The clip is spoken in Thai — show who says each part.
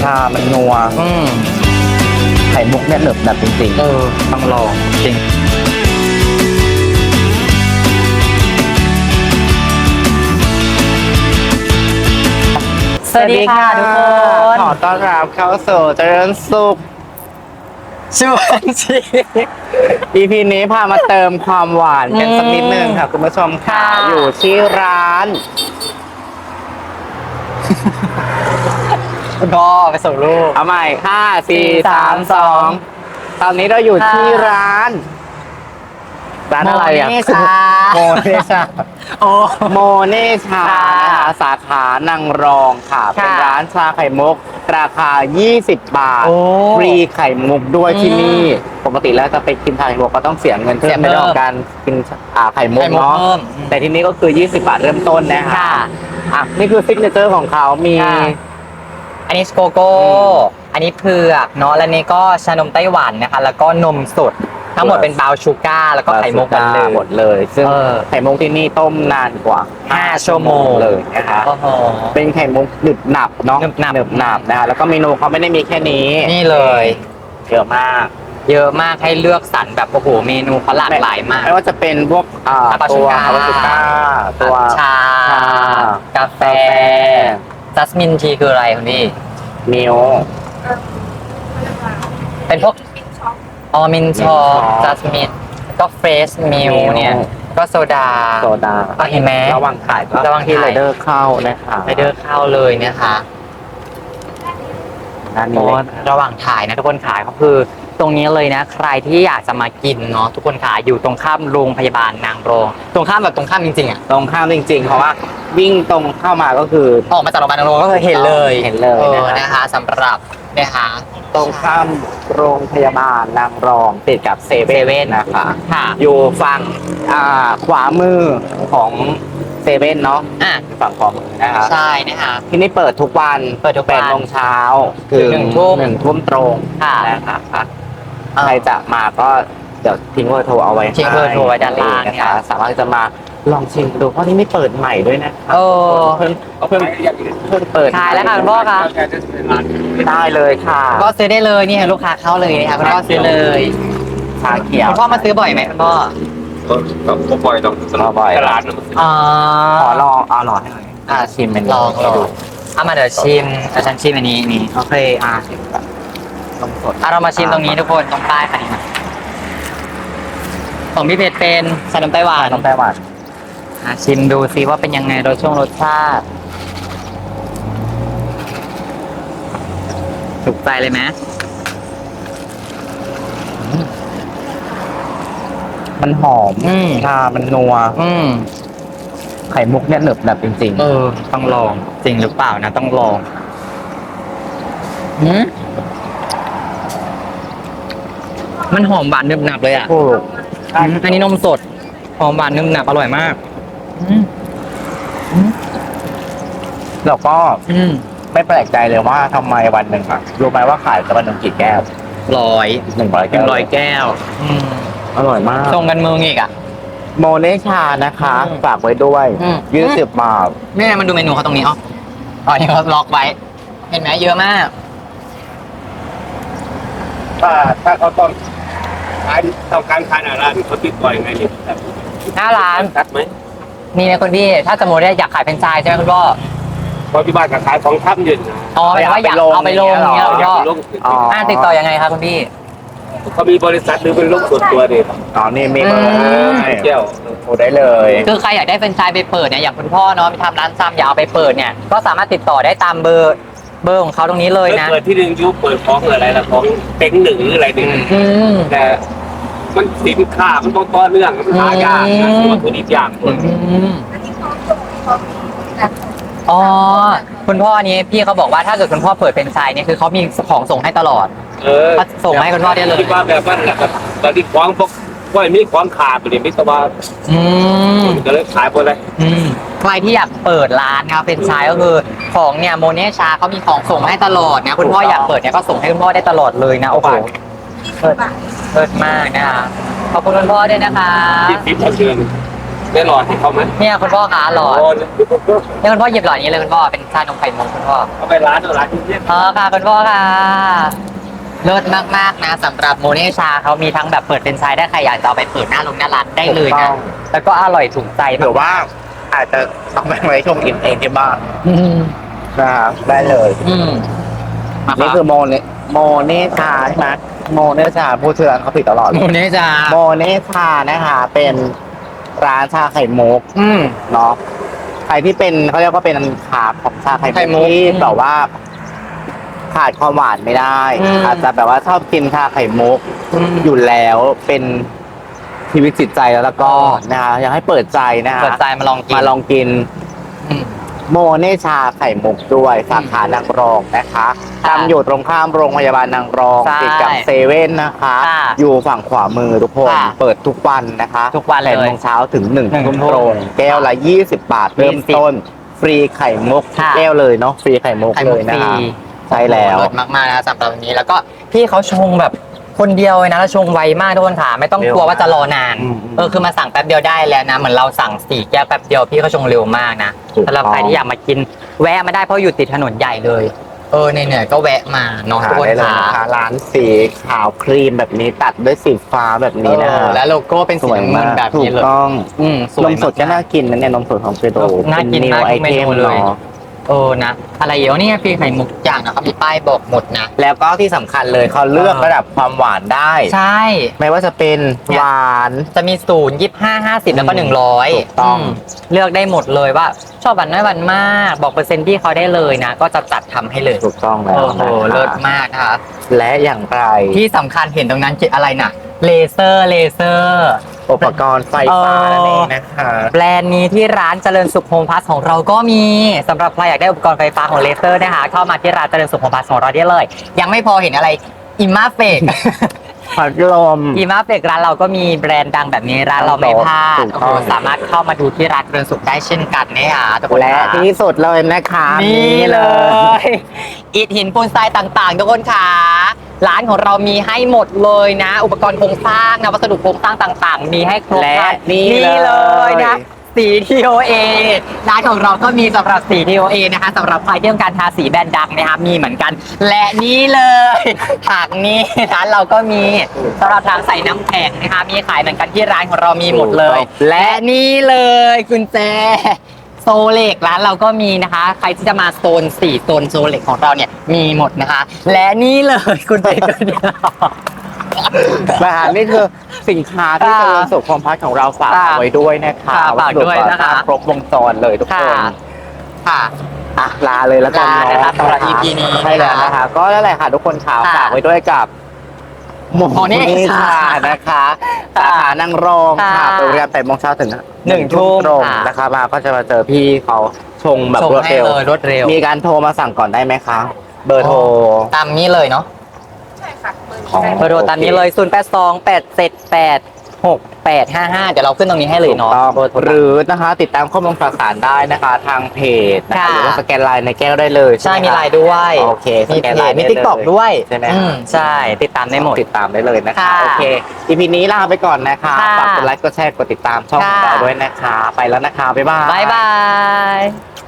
Speaker 1: ามันนัวไข่มุกเนี่ยหนึบแบบจริงๆ
Speaker 2: ต้องลองจริงสวัสดีค่ะทุกคน
Speaker 1: ขอต้อนรับเข้าสู่เจริญสุข
Speaker 2: ชวนชี
Speaker 1: EP นี้พามาเติมความหวานกันสักนิดนึงค่ะคุณผู้ชมค่ะอยู่ที่ร้าน
Speaker 2: ก็ไปส่งลูก
Speaker 1: เอาใหม่5 4 3 2ตอนนี้เราอยู่ที่ร้านอะไรอ่ะโมเนชาโมเนชาสาขานางรองค่ะเป็นร้านชาไข่มุกราคา20 บาทฟรีไข่มุกด้วยที่นี่ปกติแล้วจะไปกินชาไข่มุกก็ต้องเสียเงินเพิ่มในเรื่องของการกินไข่มุกเนาะแต่ที่นี่ก็คือ20 บาทเริ่มต้นนะคะนี่คือซิกเนเจอร์ของเขามี
Speaker 2: อันนี้โกโก้อันนี้เผือกเนาะและนี่ก็ชานมไต้หวันนะคะแล้วก็นมสดทั้งหมดเป็นบราวน์ชูการ์แล้วก็ไข่มุก
Speaker 1: หมดเลยซึ่งไข่มุกที่นี่ต้มนานกว่า5 ชั่วโมงเลยนะคะเป็นไข่มุกหนึบหนับเนาะหนึบหนับนะคะแล้วก็เมนูเขาไม่ได้มีแค่นี้
Speaker 2: นี่เลย
Speaker 1: เยอะมาก
Speaker 2: ให้เลือกสรรแบบโอ้โหเมนูเขาหลากหลายมาก
Speaker 1: ไม่ว่าจะเป็นพวกตัวคาราชูก้าตัว
Speaker 2: ชากาแฟจัสมินทีคืออะไรคุณพี่
Speaker 1: มิล
Speaker 2: เป็นพวกมินชอจัสมินก็เฟรชมิลเนี่ยก็โซดาเห็นไหม
Speaker 1: ระวังขายที่ไรเดอร์เข้านะคะ
Speaker 2: ไรเดอร์เข้าเลยนะคะระหว่างถ่ายนะทุกคนขายก็คือตรงนี้เลยนะใครที่อยากจะมากินเนาะทุกคนขายอยู่ตรงข้ามโรงพยาบาลนางรองตรงข้ามแบบตรงข้ามจริงๆอ่ะ
Speaker 1: ตรงข้ามจริงๆเพราะว่าวิ่งตรงเข้ามาก็คือ
Speaker 2: ออกมาจากโรงพยาบาลนางรองก็คือเห็นเลยนะคะสำหรับนะคะ
Speaker 1: ตรงข้ามโรงพยาบาลนางรองติดกับเซเว่นนะคะอยู่ฝั่งขวามือของเซเว่นเนาะฝั่งขวามือนะคะ
Speaker 2: ใช่นะคะ
Speaker 1: ที่นี่เปิดทุกวัน8 โมงเช้าถึง1 ทุ่มตรงนะคะใครจะมาก็เดี๋ยวทิ้งเบอร์โทรเอาไว้
Speaker 2: ทิ้งเบอร์โทรไว้ด้านล่าง
Speaker 1: นะคะสามารถจะมาลองชิมดูเพราะที่นี่เปิดใหม่ด้วยนะเพิ่งเปิด
Speaker 2: ขายแล้วค่ะคุณพ่อคะ
Speaker 1: ได้เลยค่ะ
Speaker 2: ก็ซื้อได้เลยนี่ค่ะลูกค้าเข้าเลยนะคะคุณพ่อซื้อเลย
Speaker 1: ชาเขียว
Speaker 2: คุณพ่อมาซื้อบ่อยไหมคุณพ่อ
Speaker 3: ก็บ่อยต้อง
Speaker 1: บ่อย
Speaker 3: ร้าน
Speaker 1: ขอลองรอให้หน่อยชิมเป็น
Speaker 2: ลองดูมาเดี๋ยวชิมฉันชิมอันนี้นี่
Speaker 1: โอเค
Speaker 2: นมสดเรามาชิมตรงนี้ทุกคนตรงป้ายค่ะนี่ของพี่เพชรเป็นชานมไต้หวันชิมดูซิว่าเป็นยังไงรสชาติถูกใจเลยไหม
Speaker 1: มันหอมชามันนัวไข่มุกเนี่ยหนึบแบบจริง
Speaker 2: ๆต้องลองจริงหรือเปล่านะต้องลองมันหอมหวานนึบหนับเลยอ่ะอันนี้นมสดหอมหวานนึบหนับอร่อยมาก
Speaker 1: แล้วก็ไม่แปลกใจเลยว่าทำไมวันหนึ่งรู้ไหมว่าขายวันหนึ่งกี่แก้ว
Speaker 2: 100 แก้ว
Speaker 1: อร่อยมาก
Speaker 2: ส่งกันมืออีกอ่ะ
Speaker 1: โมเนชานะคะฝากไว้ด้วย20 บาท
Speaker 2: แม่มันดูเมนูเขาตรงนี้นี่เขาล็อกไว้เห็นไหมเยอะมาก
Speaker 3: ถ้าเขาต้องการขายร้านเขาติดต่อยังไงเนี่ย
Speaker 2: หน้าร้าน
Speaker 3: ตัดไหม
Speaker 2: นี่นะคุณพี่ถ้าสมมติอยากขายเป็นไชส์ใช่ไหมคุณพ่อ
Speaker 3: ที่บ้านขายของทับยืน
Speaker 2: หมายว่าอยากเอาไปลงอย่างเงี้ยก็ติดต่อยังไงครับคุณพี่
Speaker 3: เขามีบริษัทหรือเป็นลูกส่วนตัวดิ
Speaker 1: นี่มีเบอร์
Speaker 3: เจ้า
Speaker 1: โทรได้เลย
Speaker 2: คือใครอยากได้เป็นไชส์ไปเปิดเนี่ยอย่างคุณพ่อเนาะไปทำร้านซ้ำอยากเอาไปเปิดเนี่ยก็สามารถติดต่อได้ตามเบอร์ของเขาตรงนี้เลยนะ
Speaker 3: เปิดที่หนึ่งยุคเปิดของอะไรละของเต็งหนึ่งหรืออะไรหนึ่งแต่มันสินค้ามันต้องต่อเนื่องมันหายากนะวัตถุดิบยาก
Speaker 2: คุณพ่อนี้พี่เขาบอกว่าถ้าเกิดคุณพ่อเปิดเป็นไชส์เนี่ยคือเขามีของส่งให้ตลอดส่งให้คุณพ่อได้เลย
Speaker 3: คิดว่าแบบนั้นแหละครับตอนที่ของพวกมีของขาดไปเลยไม่สบายก็เลยขายไปเลย
Speaker 2: ใครที่อยากเปิดร้านนะครับเป็นไชส์ก็คือของเนี่ยโมเนชาเขามีของส่งให้ตลอดนะคุณพ่ออยากเปิดเนี่ยก็ส่งให้คุณพ่อได้ตลอดเลยนะโอ้โหเปิดมากนะคะขอบคุณคุณพ่อด้วยนะคะ
Speaker 3: ที่ทิปเชิญได้หลอดให้เขาไหม
Speaker 2: เนี่ยคุณพ่อคะหลอด
Speaker 3: โอ้
Speaker 2: เนี่ยคุณพ่อหยิบหลอดนี้เลยคุณพ่อเป็นชานมไข่มุกคุณพ่อ
Speaker 3: เขาไปร้านที่เนี่ย
Speaker 2: ค่ะคุณพ่อค่ะเลิศมากๆนะสำหรับโมเนชาเขามีทั้งแบบเปิดเป็นไชายได้ใครอยากจะเอาไปเปิดหน้าร้านได้เลยนะแล้วก็อร่อยถูกใจ
Speaker 1: หรือว่าอาจจะต้องไปไว้ชงกินเองที่บ้าน
Speaker 2: อืม
Speaker 1: นะครับได้เลย
Speaker 2: อืมมา
Speaker 1: นี่คือโมเนชาใช่ไหมโมเนชาพูดชื่อร้านเขาผิดตลอด
Speaker 2: โมเนชา
Speaker 1: โมเนชานะคะเป็นร้านชาไข่มุก
Speaker 2: อืม
Speaker 1: เนาะใครที่เป็นเขาเรียกว่าเป็นขาของชาไข่
Speaker 2: ไข่มุ
Speaker 1: มุ
Speaker 2: ก
Speaker 1: กที่แบบว่า ขาดความหวานไม่ได้
Speaker 2: อืม
Speaker 1: อาจจะแบบว่าชอบกินชาไข่มุก อยู่แล้วเป็นชีวิตจิตใจแล้วก็นะคะอยากให้เปิดใจนะคะ
Speaker 2: เปิดใจมาลองกิน
Speaker 1: มาลองกิน
Speaker 2: อืม
Speaker 1: โมเนชาไข่มุกด้วยสาขานางรองนะคะ
Speaker 2: ค่ะ
Speaker 1: ตั้งอยู่ตรงข้ามโรงพยาบาลนางรอง
Speaker 2: ใช่
Speaker 1: ติดกับเซเว่นนะคะ
Speaker 2: ค่ะ
Speaker 1: อยู่ฝั่งขวามือทุกคน
Speaker 2: ค่ะ
Speaker 1: เปิดทุกวันนะคะ
Speaker 2: ทุกวันเลย
Speaker 1: 8 โมงเช้าถึง1
Speaker 2: หนึ่ง
Speaker 1: ทุ่ม
Speaker 2: ทุ่ม
Speaker 1: ตรงแก้วละ 20 บาท เริ่มต้น ฟรีไข่มุกทุก
Speaker 2: ค่ะ
Speaker 1: แก้วเลยเนาะฟรีไข่มุก
Speaker 2: ไข่
Speaker 1: เล
Speaker 2: มุก
Speaker 1: ยนะ
Speaker 2: ฟรี
Speaker 1: คะใช่แล้ว
Speaker 2: เลิศมากๆนะสำหรับวันนี้แล้วก็พี่เขาชงแบบคนเดียวเลยนะแล้วชงไวมากทุกคนค่ะไม่ต้องกลัวว่าจะรอนาน
Speaker 1: อืม
Speaker 2: คือมาสั่งแป๊บเดียวได้แล้วนะเหมือนเราสั่ง4 แก้วแป๊บเดียวพี่เขาชงเร็วมากนะ
Speaker 1: ถูกต้อง
Speaker 2: สำหรับใครที่อยากมากินแวะมาได้เพราะอยู่ติดถนนใหญ่เลยเหนื่อยๆก็แวะมาเนาะ
Speaker 1: หา
Speaker 2: ทุกคน
Speaker 1: ได้เลย
Speaker 2: ค่ะ
Speaker 1: นะคะร้านสีขาวครีมแบบนี้ตัดด้วยสีฟ้าแบบนี้นะ
Speaker 2: และโลโก้เป็น
Speaker 1: ส
Speaker 2: สี
Speaker 1: วย
Speaker 2: น้ำเงิ
Speaker 1: มาน ก
Speaker 2: แบบ
Speaker 1: ถู
Speaker 2: นี้
Speaker 1: ก
Speaker 2: เลย
Speaker 1: ต้อง
Speaker 2: สวน ย
Speaker 1: มสดก็
Speaker 2: ม
Speaker 1: น่ากินนะเนี่ยนมสดของเปโด
Speaker 2: น่ากินมาก
Speaker 1: ไอ
Speaker 2: ทุกเม
Speaker 1: เท
Speaker 2: นู
Speaker 1: ม
Speaker 2: เลย
Speaker 1: เนาะ
Speaker 2: นะอะไรเยอะนี่ฟรีไข่มุกอย่างนะครับมีป้ายบอกหมดนะ
Speaker 1: แล้วก็ที่สำคัญเลยเขาเลือกระดับความหวานได้
Speaker 2: ใช่
Speaker 1: ไม่ว่าจะเป็นหวาน
Speaker 2: จะมี0 25 50แล้วก็
Speaker 1: ถูก
Speaker 2: 100
Speaker 1: ต้อง
Speaker 2: เลือกได้หมดเลยว่าชอบหวานน้อยหวานมากบอกเปอร์เซ็นต์ที่เขาได้เลยนะ ก็จะจัดทำให้เลย
Speaker 1: ถูกต้องแล้ว
Speaker 2: โอ้โห
Speaker 1: นะคะ
Speaker 2: เลิศมากนะคะ
Speaker 1: และอย่างไร
Speaker 2: ที่สำคัญเห็นตรงนั้นอะไรน่ะเลเซอร์
Speaker 1: อุปกรณ์ไฟฟ้านั่นเองนะคะ
Speaker 2: แบรนด์นี้ที่ร้านเจริญสุขโฮมพลัสของเราก็มีสำหรับใครอยากได้อุปกรณ์ไฟฟ้าของเลเซอร์นะคะเข้ามาที่ร้านเจริญสุขโฮมพลัสของเราได้เลย ยังไม่พอเห็นอะไรอิมมาเฟก
Speaker 1: พัดลม
Speaker 2: อีมาเฟกร้านเราก็มีแบรนด์ดังแบบนี้ร้านเราไม่พลาด
Speaker 1: ถูกต้อง
Speaker 2: สามารถเข้ามาดูที่ร้านเรือนสุขได้เช่นกันนะคะทุกคน
Speaker 1: และ
Speaker 2: ค่ะ
Speaker 1: ที่สุดเลยนะคะ
Speaker 2: นี่เลย อิฐหินปูนทรายต่างๆ ทุกคนค่ะร้านของเรามีให้หมดเลยนะ อุปกรณ์โครงสร้างนะวัสดุโครงสร้างต่างๆ มีให้ครบ
Speaker 1: และ
Speaker 2: ครัน
Speaker 1: นี่
Speaker 2: เลยนะสี TOA ร้านของเราก็มีสำหรับสี TOA นะคะสำหรับใครที่ต้องการทาสีแบรนด์ดังนะคะมีเหมือนกัน และนี่เลยหากนี้ร้านเราก็มีสำหรับทางใส่น้ำแข็งนะคะมีขายเหมือนกันที่ร้านของเรามีหมดเลย และนี่เลยกุญแจโซเล็กร้านเราก็มีนะคะ ใครที่จะมาโซน4โซนโซเล็กของเราเนี่ยมีหมดนะคะ และนี่เลยคุณเจกุญแจ
Speaker 1: นะคะนี่คือสินค้าที่
Speaker 2: ค่ะ
Speaker 1: เจริญสุขความพัฒน์ของเราฝาก
Speaker 2: ค่ะ
Speaker 1: เอาไว้ด้วยนะคะ
Speaker 2: ค่ะฝากด้วยนะคะ
Speaker 1: วัสดุก่อสร้างครบวงจรเลยทุกคน
Speaker 2: ค่ะ
Speaker 1: อ่ะลาเลยแล้วกัน
Speaker 2: ลา
Speaker 1: เนาะ
Speaker 2: นะคะสำหรับ EP นี้
Speaker 1: ใช่แล้วนะคะ ก็นั่นแหละค่ะทุกคนข่าว
Speaker 2: ค่ะ
Speaker 1: ฝากไว้ด้วยกับโม
Speaker 2: โมเนชา
Speaker 1: นะคะสาขานางรอง
Speaker 2: ค่ะ
Speaker 1: ค่ะเปิดบริการ8 โมงเช้าถึง
Speaker 2: 1 ทุ่ม
Speaker 1: ตรง
Speaker 2: ค่ะ
Speaker 1: นะคะมาก็จะมาเจอพี่เขาชงแบบ
Speaker 2: ส่ง
Speaker 1: รวด
Speaker 2: ให้
Speaker 1: เร็ว
Speaker 2: เลยรวดเร็ว
Speaker 1: มีการโทรมาสั่งก่อนได้ไหมคะ เบอร์โทร
Speaker 2: ตามนี้เลยเนาะ
Speaker 1: ของ
Speaker 2: เบอร์โทรตามนี้เลย 0828786855 เดี๋ยวเราขึ้นตรงนี้ให้เลยเนาะ
Speaker 1: ถูกต้อง
Speaker 2: เบอร์โทร
Speaker 1: หรือนะคะติดตามข้อมูลข่าวสารได้นะคะ ทางเพจนะคะ
Speaker 2: ค่ะ
Speaker 1: หรือว่าสแกนไลน์ในแก้วได้เลย
Speaker 2: ใช่
Speaker 1: ไห
Speaker 2: มี
Speaker 1: คะ
Speaker 2: ไลน์ด้วย
Speaker 1: โอเคส
Speaker 2: มี
Speaker 1: แกน
Speaker 2: เพ
Speaker 1: ไล
Speaker 2: จ
Speaker 1: น์
Speaker 2: มี
Speaker 1: ได้
Speaker 2: ติ๊กต็อก
Speaker 1: เลย
Speaker 2: ด้วย
Speaker 1: ใช่ไหม
Speaker 2: ใช่ติดตามได้หมด
Speaker 1: ติดตามได้เลยนะคะ
Speaker 2: ค่ะ
Speaker 1: โอเค EP นี้ลาไปก่อนนะคะ
Speaker 2: ค่ะ
Speaker 1: ฝากกดไลค์กดแชร์กดติดตามช่องของ
Speaker 2: ค่ะ
Speaker 1: เราด้วยนะคะ ไปแล้วนะคะ บ๊ายบาย
Speaker 2: บ๊ายบาย